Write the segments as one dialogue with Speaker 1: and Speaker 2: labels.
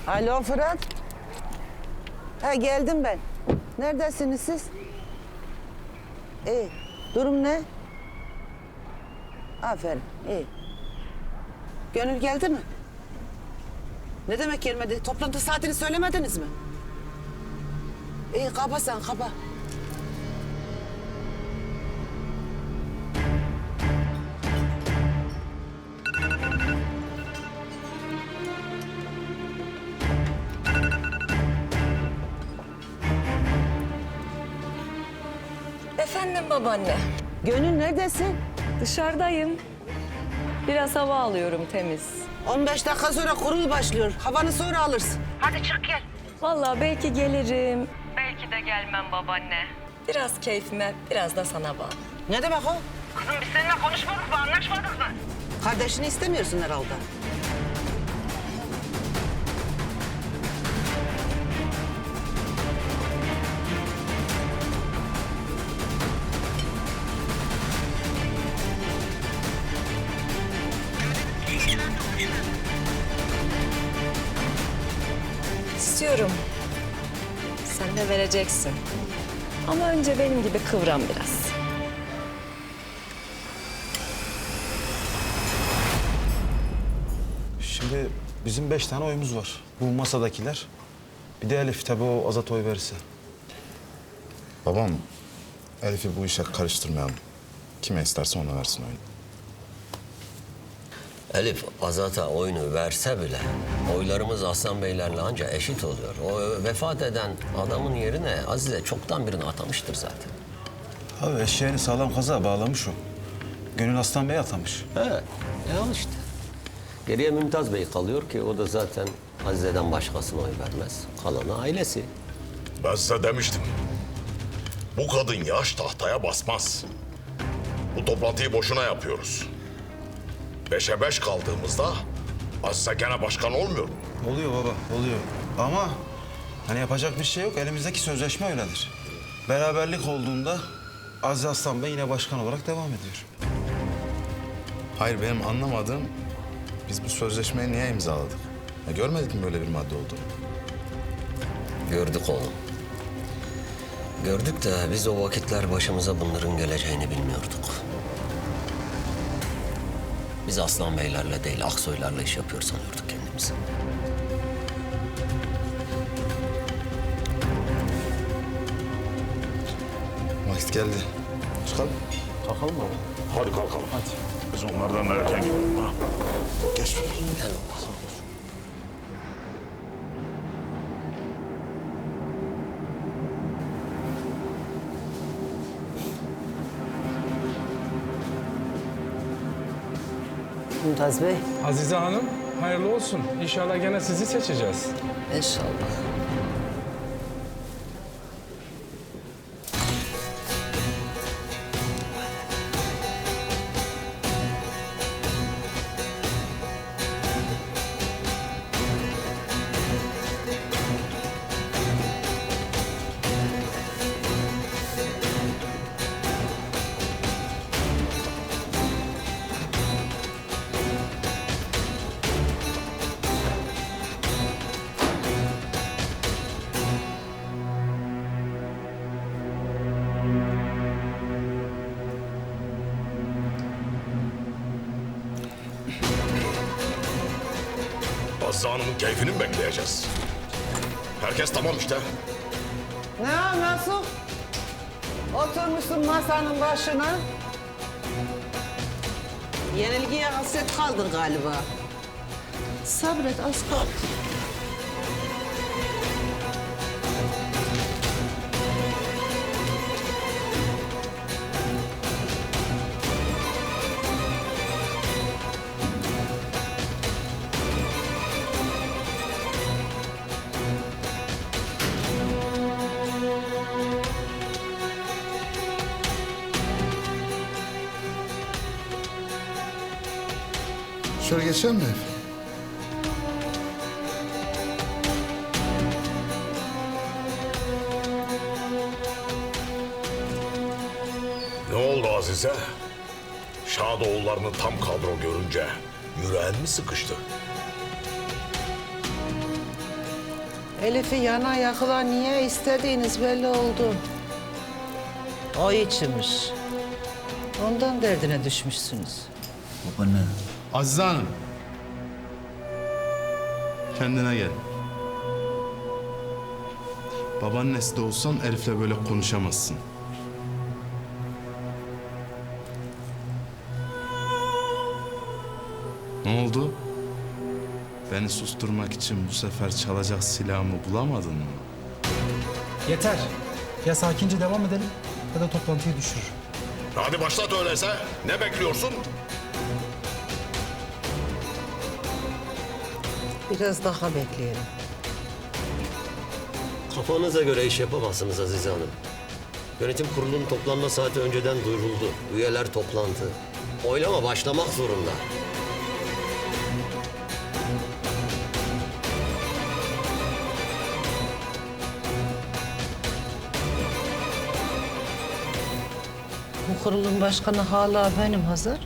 Speaker 1: Alo Fırat. Ha geldim ben. Neredesiniz siz? İyi. Durum ne? Aferin. İyi. Gönül geldi mi? Ne demek gelmedi? Toplantı saatini söylemediniz mi? İyi kaba sen kaba.
Speaker 2: Efendim babaanne.
Speaker 1: Gönül neredesin?
Speaker 2: Dışarıdayım. Biraz hava alıyorum temiz.
Speaker 1: 15 dakika sonra kurul başlıyor. Havanı sonra alırsın. Hadi çık gel.
Speaker 2: Vallahi belki gelirim. Belki de gelmem babaanne. Biraz keyfime, biraz da sana bağlı.
Speaker 1: Ne demek o? Kızım biz seninle konuşmadık mı, anlaşmadık mı? Kardeşini istemiyorsun herhalde.
Speaker 2: İstiyorum. Sen de vereceksin. Ama önce benim gibi kıvran biraz.
Speaker 3: Şimdi bizim 5 tane oyumuz var. Bu masadakiler. Bir de Elif tabii o Azat oy verirse.
Speaker 4: Babam, Elif'i bu işe karıştırmayalım. Kime isterse ona versin oyunu.
Speaker 5: Elif Azat'a oyunu verse bile oylarımız Aslan Beylerle anca eşit oluyor. O vefat eden adamın yerine Azize çoktan birini atamıştır zaten.
Speaker 3: Abi eşeğini sağlam kaza bağlamış o. Gönül Aslan Bey atamış.
Speaker 5: He, al işte. Geriye Mümtaz Bey kalıyor ki o da zaten Azize'den başkasına oy vermez. Kalanı ailesi.
Speaker 6: Ben size demiştim. Bu kadın yaş tahtaya basmaz. Bu toplantıyı boşuna yapıyoruz. 5'e 5 kaldığımızda Azize gene başkan olmuyor mu?
Speaker 3: Oluyor baba, oluyor. Ama hani yapacak bir şey yok. Elimizdeki sözleşme öyledir. Beraberlik olduğunda Aziz Aslan Bey yine başkan olarak devam ediyor.
Speaker 4: Hayır, benim anlamadığım, biz bu sözleşmeyi niye imzaladık? Ya görmedik mi böyle bir madde olduğunu?
Speaker 5: Gördük oğlum. Gördük de biz o vakitler başımıza bunların geleceğini bilmiyorduk. Biz Aslan Beylerle değil, Aksoylarla iş yapıyor sanıyorduk kendimizi.
Speaker 4: Vakit geldi. Çıkalım.
Speaker 3: Kalkalım mı?
Speaker 6: Hadi kalkalım. Hadi. Biz onlardan erken gidelim ha.
Speaker 4: Geç.
Speaker 5: Gel oğlum.
Speaker 1: Mümtaz Bey.
Speaker 7: Azize Hanım, hayırlı olsun. İnşallah gene sizi seçeceğiz.
Speaker 1: İnşallah.
Speaker 6: Azize Hanım'ın keyfini mi bekleyeceğiz? Herkes tamam işte.
Speaker 1: Ne o Nasuh? Oturmuşsun masanın başına. Yenilgiye hasret kaldın galiba. Sabret az kaldı.
Speaker 4: Şöyle geçelim mi?
Speaker 6: Ne oldu Azize? Şadoğullarını tam kadro görünce yüreğin mi sıkıştı?
Speaker 1: Elif'i yana yakıla niye istediğiniz belli oldu. O içmiş. Ondan derdine düşmüşsünüz.
Speaker 8: Babaanne.
Speaker 4: Azize Hanım. Kendine gel. Babaannesi de olsan Elif'le böyle konuşamazsın. Ne oldu? Beni susturmak için bu sefer çalacak silahımı bulamadın mı?
Speaker 9: Yeter. Ya sakince devam edelim ya da toplantıyı düşürür.
Speaker 6: Hadi başlat öyleyse. Ne bekliyorsun?
Speaker 1: Biraz daha bekleyelim.
Speaker 5: Kafanıza göre iş yapamazsınız Azize Hanım. Yönetim kurulunun toplanma saati önceden duyuruldu. Üyeler toplantı. Oylama başlamak zorunda.
Speaker 1: Bu kurulun başkanı hala benim Hazar.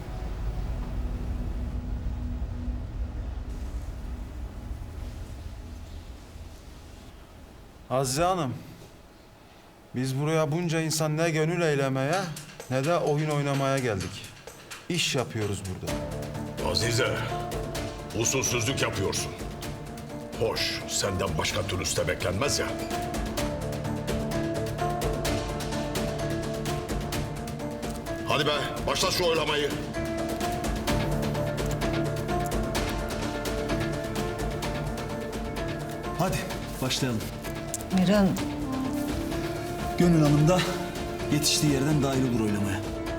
Speaker 3: Azize Hanım, biz buraya bunca insan ne gönül eylemeye ne de oyun oynamaya geldik. İş yapıyoruz burada.
Speaker 6: Azize, usulsüzlük yapıyorsun. Hoş, senden başka türlüsü de beklenmez ya. Hadi be, başla şu oylamayı.
Speaker 8: Hadi başlayalım.
Speaker 1: Miran,
Speaker 8: Gönül Hanım da yetiştiği yerden dahil olur oylamaya.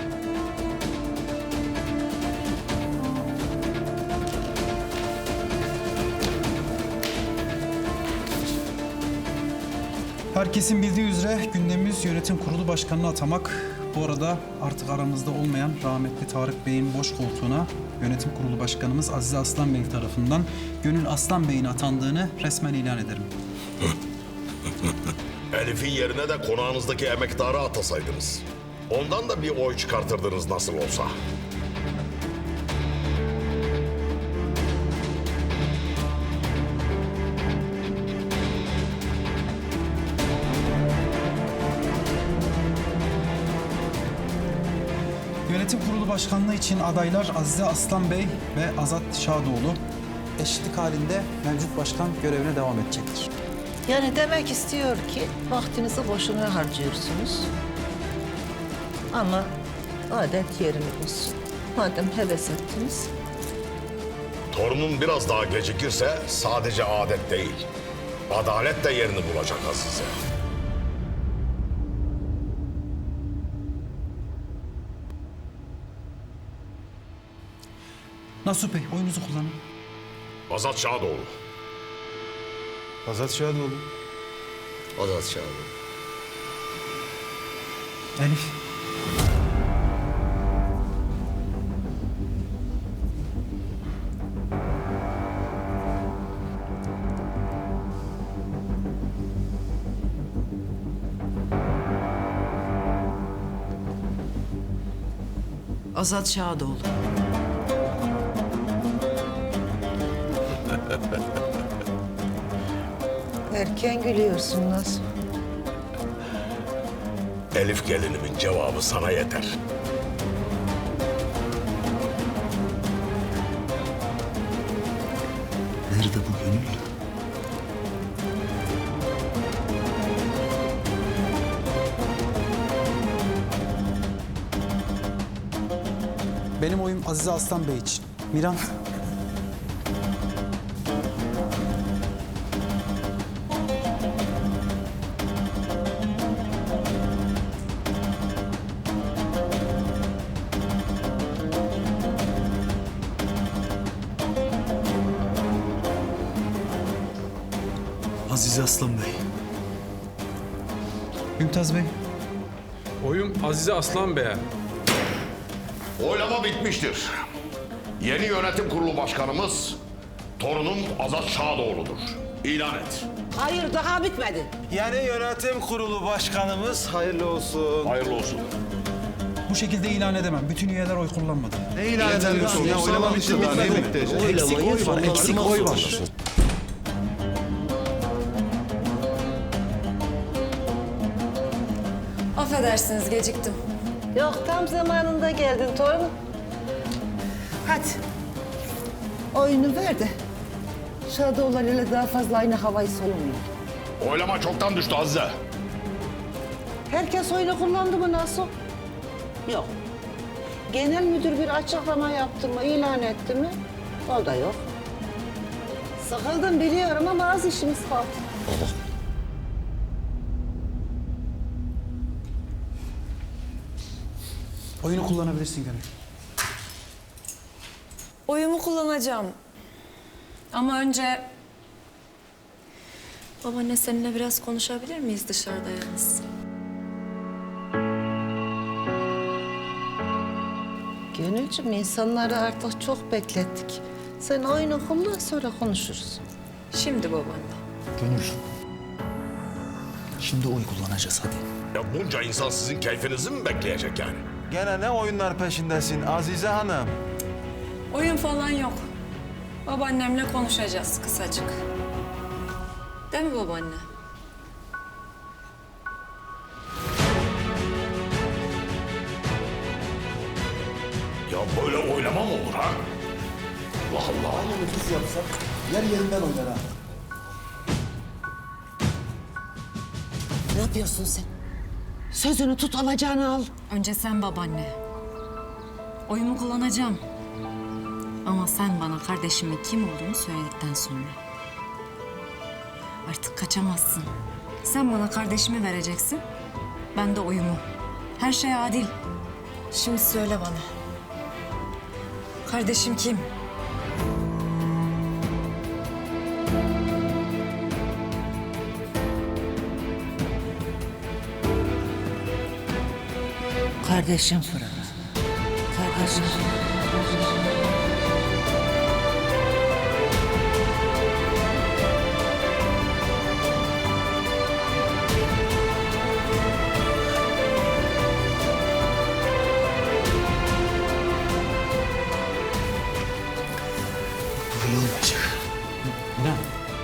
Speaker 9: Herkesin bildiği üzere gündemimiz yönetim kurulu başkanını atamak. Bu arada artık aramızda olmayan rahmetli Tarık Bey'in boş koltuğuna yönetim kurulu başkanımız Azize Aslan Bey tarafından Gönül Aslan Bey'in atandığını resmen ilan ederim.
Speaker 6: Elif'in yerine de konağınızdaki emektarı atasaydınız. Ondan da bir oy çıkartırdınız nasıl olsa.
Speaker 9: Yönetim kurulu başkanlığı için adaylar Azize Aslan Bey ve Azat Şadoğlu. Eşitlik halinde mevcut başkan görevine devam edecektir.
Speaker 1: yani demek istiyor ki vaktinizi boşuna harcıyorsunuz. Ama adet yerini bulsun. Madem heves ettiniz.
Speaker 6: Torunun biraz daha gecikirse sadece adet değil, adalet de yerini bulacak Azize.
Speaker 9: Nasuh Bey oyunuzu kullanın.
Speaker 6: Azat Şadoğlu.
Speaker 3: Azat Şadoğlu.
Speaker 5: Azat Şahin.
Speaker 9: Elif.
Speaker 1: Azat Şadoğlu. Erken gülüyorsun Naz.
Speaker 6: Elif gelinimin cevabı sana yeter.
Speaker 8: Nerede bu Gönül?
Speaker 9: Benim oyum Azize Aslan Bey için. Miran.
Speaker 8: Azize Aslan Bey.
Speaker 9: Mümtaz Bey.
Speaker 7: Oyum Azize Aslan Bey'e.
Speaker 6: Oylama bitmiştir. Yeni yönetim kurulu başkanımız torunum Azat Şadoğlu'dur. İlan et.
Speaker 1: Hayır daha bitmedi.
Speaker 3: Yeni yönetim kurulu başkanımız hayırlı olsun.
Speaker 6: Hayırlı olsun.
Speaker 9: Bu şekilde ilan edemem. Bütün üyeler oy kullanmadı.
Speaker 3: Ne ilan edemiyorsun ya? Oylama bitti daha ne bekleyeceğiz?
Speaker 5: Oylamayı
Speaker 9: Eksik oy var.
Speaker 5: sonlandırmak
Speaker 9: Eksik oy var.
Speaker 5: zorundasın.
Speaker 2: Affedersiniz geciktim.
Speaker 1: Yok tam zamanında geldin torunum. Hadi. Oyunu ver de. Şadoğlan ile daha fazla aynı havayı solumayın.
Speaker 6: Oylama çoktan düştü Azize.
Speaker 1: Herkes oyunu kullandı mı nasıl? Yok. Genel müdür bir açıklama yaptı mı, ilan etti mi? O da yok. Sıkıldım biliyorum ama az işimiz kaldı.
Speaker 9: Oyunu kullanabilirsin Gönül.
Speaker 2: Oyumu kullanacağım. Ama önce... Babaanne seninle biraz konuşabilir miyiz dışarıda yalnız?
Speaker 1: Gönülcüm insanları artık çok beklettik. Sen oyunu kullan sonra konuşuruz.
Speaker 2: Şimdi babaanne.
Speaker 8: Gönül. Şimdi oy kullanacağız hadi.
Speaker 6: Ya bunca insan sizin keyfinizi mi bekleyecek yani?
Speaker 3: Gene ne oyunlar peşindesin Azize Hanım?
Speaker 2: Oyun falan yok. Babaannemle konuşacağız kısacık. Değil mi babaanne?
Speaker 6: Ya böyle oylama mı olur ha? Allah Allah.
Speaker 8: Biz yapsak yer yerinden oynar ha.
Speaker 1: Ne yapıyorsun sen? Sözünü tut, alacağını al.
Speaker 2: Önce sen babaanne. Oyumu kullanacağım. Ama sen bana kardeşimin kim olduğunu söyledikten sonra. Artık kaçamazsın. Sen bana kardeşimi vereceksin. Ben de oyumu. Her şey adil. Şimdi söyle bana. Kardeşim kim?
Speaker 1: Kardeşim Fırat. Kardeşim.
Speaker 8: Böyle olmayacak.
Speaker 9: Ne?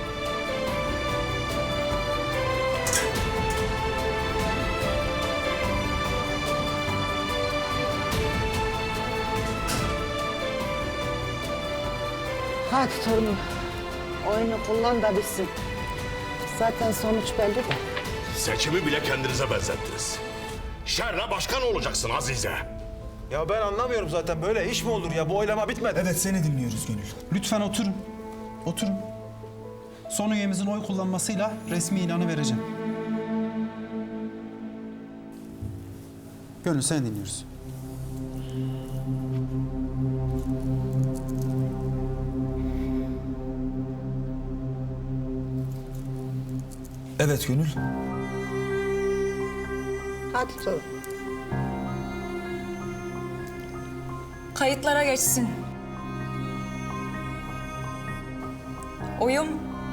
Speaker 1: Hadi torunum. Oyunu kullan da bitsin. Zaten sonuç belli de.
Speaker 6: Seçimi bile kendinize benzettiniz. Şerle başkan olacaksın Azize.
Speaker 3: Ya ben anlamıyorum zaten böyle iş mi olur ya? Bu oylama bitmedi.
Speaker 8: Evet seni dinliyoruz Gönül.
Speaker 9: Lütfen oturun. Oturun. Son üyemizin oy kullanmasıyla resmi ilanı vereceğim. Gönül seni dinliyoruz.
Speaker 8: Evet Gönül.
Speaker 1: Hadi torun.
Speaker 2: Kayıtlara geçsin. Oyum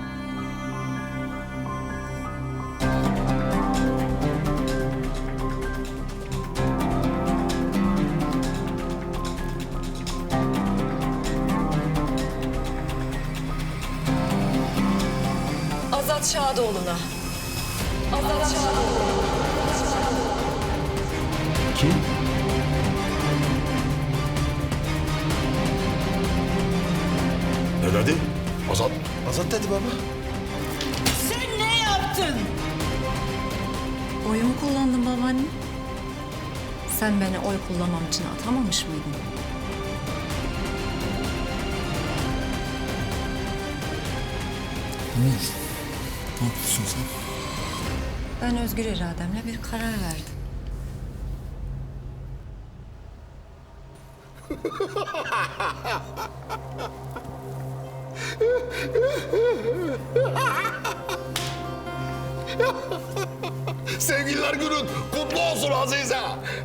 Speaker 2: Azat Şadoğlu'na. Azat Şadoğlu.
Speaker 9: Kim?
Speaker 6: Ne dedi? Azat.
Speaker 3: Azat dedi baba.
Speaker 2: Oyumu kullandım babaanne. Sen beni oy kullanmam için atamamış mıydın?
Speaker 8: Gönül. Ne yapıyorsun sen?
Speaker 2: Ben özgür irademle bir karar verdim.
Speaker 6: Sevgililer günün kutlu olsun Azize.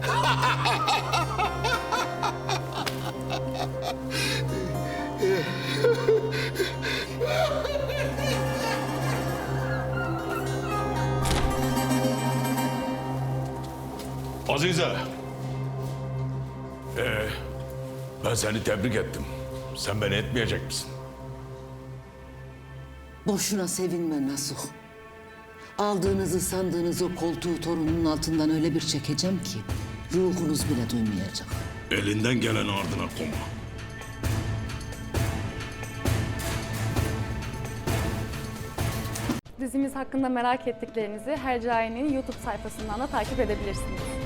Speaker 6: Azize. Ben seni tebrik ettim. Sen beni etmeyecek misin?
Speaker 1: Boşuna sevinme Nasuh. Aldığınızı sandığınız o koltuğu torunun altından öyle bir çekeceğim ki ruhunuz bile duymayacak.
Speaker 6: Elinden gelen ardına koma.
Speaker 10: Dizimiz hakkında merak ettiklerinizi Hercai'nin YouTube sayfasından da takip edebilirsiniz.